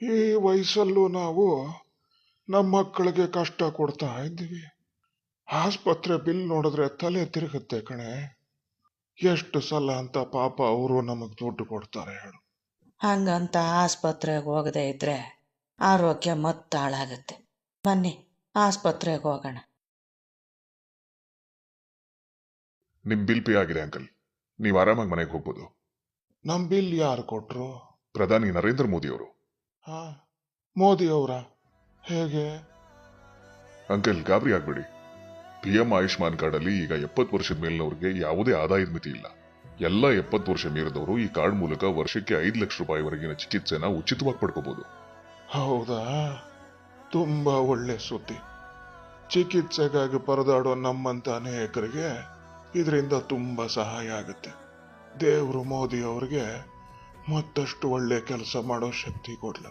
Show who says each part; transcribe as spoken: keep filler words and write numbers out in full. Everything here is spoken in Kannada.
Speaker 1: ಈ ವಯಸ್ಸಲ್ಲೂ ನಾವು ನಮ್ಮ ಮಕ್ಕಳಿಗೆ ಕಷ್ಟ ಕೊಡ್ತಾ ಇದ್ದೀವಿ. ಆಸ್ಪತ್ರೆ ಬಿಲ್ ನೋಡಿದ್ರೆ ತಲೆ ತಿರುಗುತ್ತೆ ಕಣೆ. ಎಷ್ಟು ಸಲ ಅಂತ ಪಾಪ ಅವರು ನಮಗ್ ದುಡ್ಡು ಕೊಡ್ತಾರೆ ಹೇಳು.
Speaker 2: ಹಂಗಂತ ಆಸ್ಪತ್ರೆಗೆ ಹೋಗದೆ ಇದ್ರೆ ಆರೋಗ್ಯ ಮತ್ತೆ ಹಾಳಾಗತ್ತೆ. ಬನ್ನಿ ಆಸ್ಪತ್ರೆಗೆ ಹೋಗೋಣ.
Speaker 3: ನಿಮ್ ಬಿಲ್ ಪೇ ಆಗಿದೆ ಅಂಕಲ್, ನೀವು ಆರಾಮಾಗಿ ಮನೆಗೆ ಹೋಗ್ಬೋದು.
Speaker 1: ನಮ್ ಬಿಲ್ ಯಾರು ಕೊಟ್ರು?
Speaker 3: ಪ್ರಧಾನಿ ನರೇಂದ್ರ ಮೋದಿ ಅವರು.
Speaker 1: ಹಾ, ಮೋದಿ ಅವರ? ಹೇಗೆ?
Speaker 3: ಅಂಕಲ್ ಗಾಬರಿ ಆಗ್ಬೇಡಿ. ಪಿ ಎಂ ಆಯುಷ್ಮಾನ್ ಕಾರ್ಡ್ ಅಲ್ಲಿ ಈಗ ಎಪ್ಪತ್ತು ವರ್ಷದ ಮೇಲಿನವ್ರಿಗೆ ಯಾವುದೇ ಆದಾಯದ ಮಿತಿ ಇಲ್ಲ. ಎಲ್ಲ ಎಪ್ಪತ್ತು ವರ್ಷ ಮೀರಿದವರು ಈ ಕಾರ್ಡ್ ಮೂಲಕ ವರ್ಷಕ್ಕೆ ಐದು ಲಕ್ಷ ರೂಪಾಯಿವರೆಗಿನ ಚಿಕಿತ್ಸೆನ ಉಚಿತವಾಗಿ ಪಡ್ಕೋಬಹುದು.
Speaker 1: ಹೌದಾ? ತುಂಬಾ ಒಳ್ಳೆ ಸುದ್ದಿ. ಚಿಕಿತ್ಸೆಗಾಗಿ ಪರದಾಡೋ ನಮ್ಮಂತ ಅನೇಕರಿಗೆ ಇದರಿಂದ ತುಂಬಾ ಸಹಾಯ ಆಗುತ್ತೆ. ದೇವರು ಮೋದಿ ಅವರಿಗೆ ಮತ್ತಷ್ಟು ಒಳ್ಳೆ ಕೆಲಸ ಮಾಡೋ ಶಕ್ತಿ ಕೊಡ್ಲ.